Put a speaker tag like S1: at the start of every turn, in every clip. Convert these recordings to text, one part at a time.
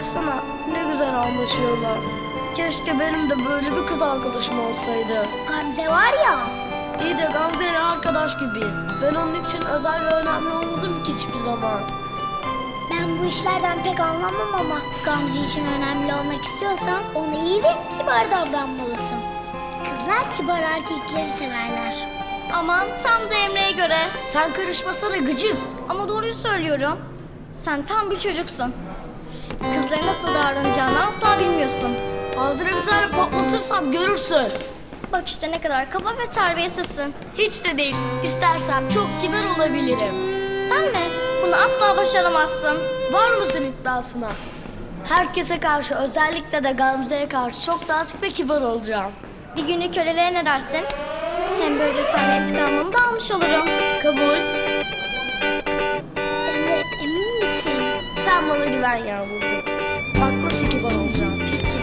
S1: baksana ne güzel anlaşıyorlar. Keşke benim de böyle bir kız arkadaşım olsaydı.
S2: Gamze var ya.
S1: İyi de Gamze ile arkadaş gibiyiz. Ben onun için özel ve önemli olmadım ki hiçbir zaman.
S2: Ben bu işlerden pek anlamam ama Gamze için önemli olmak istiyorsan ona iyi ve kibar davranmalısın. Kızlar kibar erkekleri severler.
S3: Aman tam da Emre'ye göre.
S1: Sen karışmasana gıcık.
S3: Ama doğruyu söylüyorum. Sen tam bir çocuksun. Kızlara nasıl davranacağını asla bilmiyorsun.
S1: Ağzına bir tane patlatırsam görürsün.
S3: Bak işte ne kadar kaba ve terbiyesizsin.
S1: Hiç de değil. İstersem çok kibar olabilirim.
S3: Sen mi? Bunu asla başaramazsın.
S1: Var mısın iddiasına? Herkese karşı, özellikle de Gamze'ye karşı çok nazik ve kibar olacağım.
S3: Bir günlük köleliğe ne dersin? Hem böylece senden intikamımı da almış olurum.
S1: Kabul.
S2: Emre, emin misin?
S1: Sen bana güven Yağmurcuğum. Bak nasıl kibar olacağım.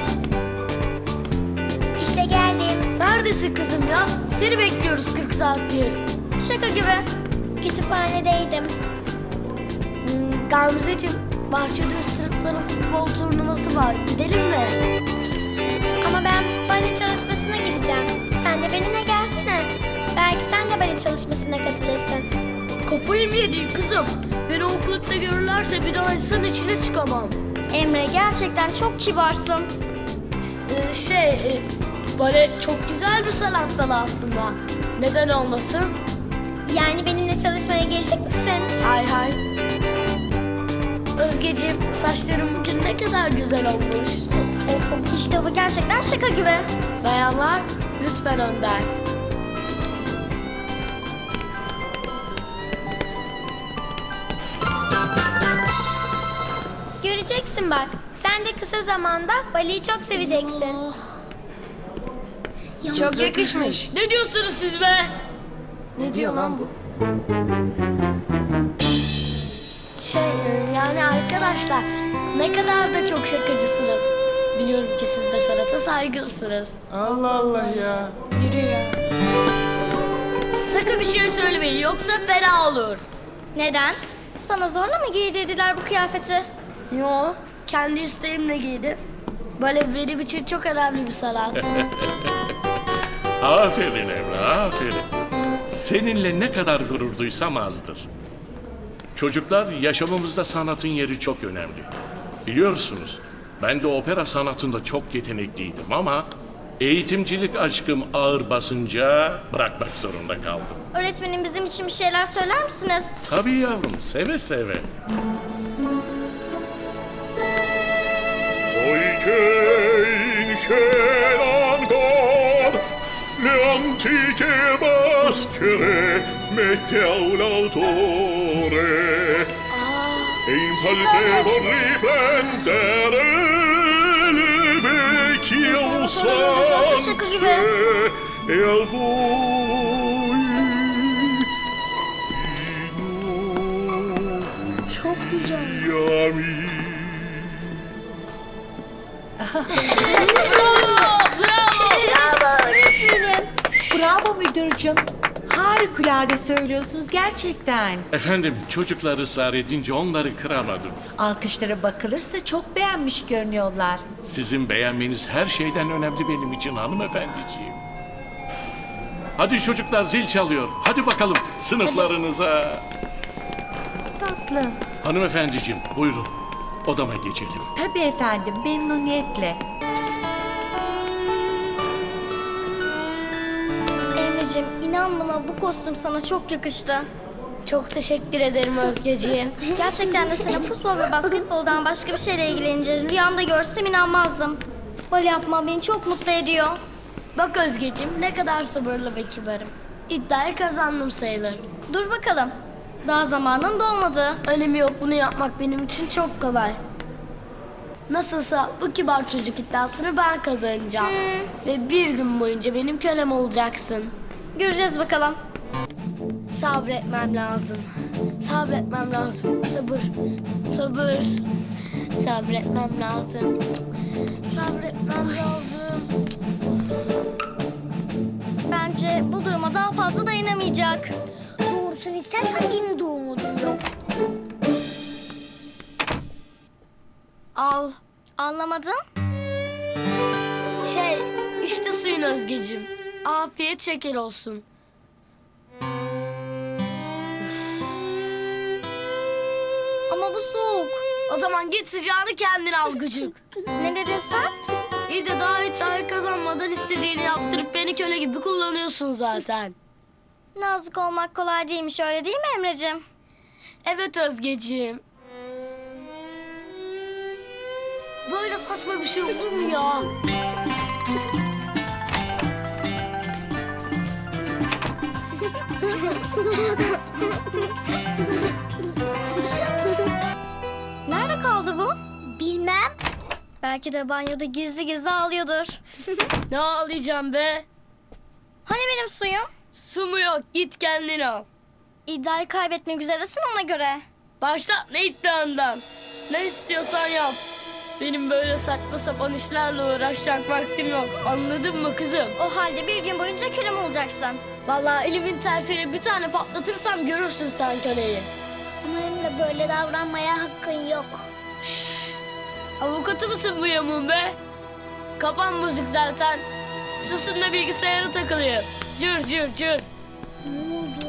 S2: İşte geldim.
S1: Neredesin kızım ya? Seni bekliyoruz 40 saattir.
S3: Şaka gibi.
S2: Kütüphanedeydim.
S1: Gamzeciğim, bahçede sınıfların futbol turnuvası var. Gidelim mi?
S2: Ama ben bale çalışmasına gideceğim. Sen de benimle gelsene. Belki sen de bale çalışmasına katılırsın.
S1: Kafayı mı yedin kızım? Beni okulda görürlerse bir daha insan içine çıkamam.
S3: Emre gerçekten çok kibarsın.
S1: Bale çok güzel bir sanat dalı aslında. Neden olmasın?
S2: Yani benimle çalışmaya gelecek misin?
S1: Hay hay. Özgeciğim, saçların bugün ne kadar güzel olmuş.
S3: İşte bu gerçekten şaka gibi.
S1: Bayanlar, lütfen önden.
S2: Göreceksin bak. Sen de kısa zamanda baleyi çok seveceksin.
S1: Çok yakışmış. Ne diyorsunuz siz be? Ne diyor lan bu? Yani arkadaşlar ne kadar da çok şakacısınız. Biliyorum ki siz de sanata saygılısınız.
S4: Allah Allah ya.
S1: Yürü ya. Sakın bir şey söylemeyin yoksa fena olur.
S3: Neden? Sana zorla mı giydirdiler bu kıyafeti?
S1: Yo, kendi isteğimle giydim. Böyle benim için çok önemli bir sanat.
S5: Aferin Emre, aferin. Seninle ne kadar gurur duysam azdır. Çocuklar, yaşamımızda sanatın yeri çok önemli. Biliyorsunuz, ben de opera sanatında çok yetenekliydim ama eğitimcilik aşkım ağır basınca bırakmak zorunda kaldım.
S3: Öğretmenim bizim için bir şeyler söyler misiniz?
S5: Tabii yavrum, seve seve. Poiché incelantor le antiche maschere mette all'autore e impalpevol riprendere le vecchie
S3: Nasıl şaka gibi?
S5: usanze e al voi
S1: Çok güzel.
S5: ami.
S6: Bravo müdürcüm. Harikulade söylüyorsunuz gerçekten.
S5: Efendim, çocuklar ısrar edince onları kıramadım.
S6: Alkışlara bakılırsa çok beğenmiş görünüyorlar.
S5: Sizin beğenmeniz her şeyden önemli benim için hanımefendiciğim. Hadi çocuklar, zil çalıyor. Hadi bakalım sınıflarınıza.
S6: Tatlım.
S5: Hanımefendiciğim, buyurun. Odama geçelim.
S6: Tabii efendim, memnuniyetle.
S3: Emre'cim inan bana bu kostüm sana çok yakıştı.
S1: Çok teşekkür ederim Özgeciğim.
S3: Gerçekten de senin futbol ve basketboldan başka bir şeyle ilgileneceğini rüyamda görsem inanmazdım. Bale yapma beni çok mutlu ediyor.
S1: Bak Özgeciğim ne kadar sabırlı ve kibarım. İddiayı kazandım sayılır.
S3: Dur bakalım. Daha zamanın dolmadı.
S1: Önemi yok, bunu yapmak benim için çok kolay. Nasılsa bu kibar çocuk iddiasını ben kazanacağım. Ve bir gün boyunca benim kölem olacaksın.
S3: Göreceğiz bakalım.
S1: Sabretmem lazım. Sabretmem lazım. Sabır. Sabır. Sabretmem lazım. Sabretmem lazım.
S3: Bence bu duruma daha fazla dayanamayacak.
S2: Doğrusunu istersen benim de umudum yok.
S1: Al.
S3: Anlamadım.
S1: İşte suyun Özgeciğim. Afiyet şeker olsun.
S3: Ama bu soğuk.
S1: O zaman git sıcağını kendin al gıcık.
S3: Ne dedin sen?
S1: İyi de daha iddiayı kazanmadan istediğini yaptırıp beni köle gibi kullanıyorsun zaten.
S3: Nazik olmak kolay değilmiş, öyle değil mi Emre'cim?
S1: Evet Özgeciğim. Böyle saçma bir şey olur mu ya?
S3: Nerede kaldı bu?
S2: Bilmem.
S3: Belki de banyoda gizli gizli ağlıyordur.
S1: Ne ağlayacağım be?
S3: Hani benim suyum?
S1: Su mu yok? Git kendin al.
S3: İddiayı kaybetmek üzeresin ona göre.
S1: Başla ne iddiandan. Ne istiyorsan yap. Benim böyle saçma sapan işlerle uğraşacak vaktim yok. Anladın mı kızım?
S3: O halde bir gün boyunca kölem olacaksın.
S1: Vallahi elimin tersiyle bir tane patlatırsam görürsün sen köleyi.
S2: Ama Emre böyle davranmaya hakkın yok.
S1: Avukatı mısın bu yamuğun be? Kapan müzik zaten. Susun da bilgisayara takılayım. Cır cır cır.
S2: Ne oldu?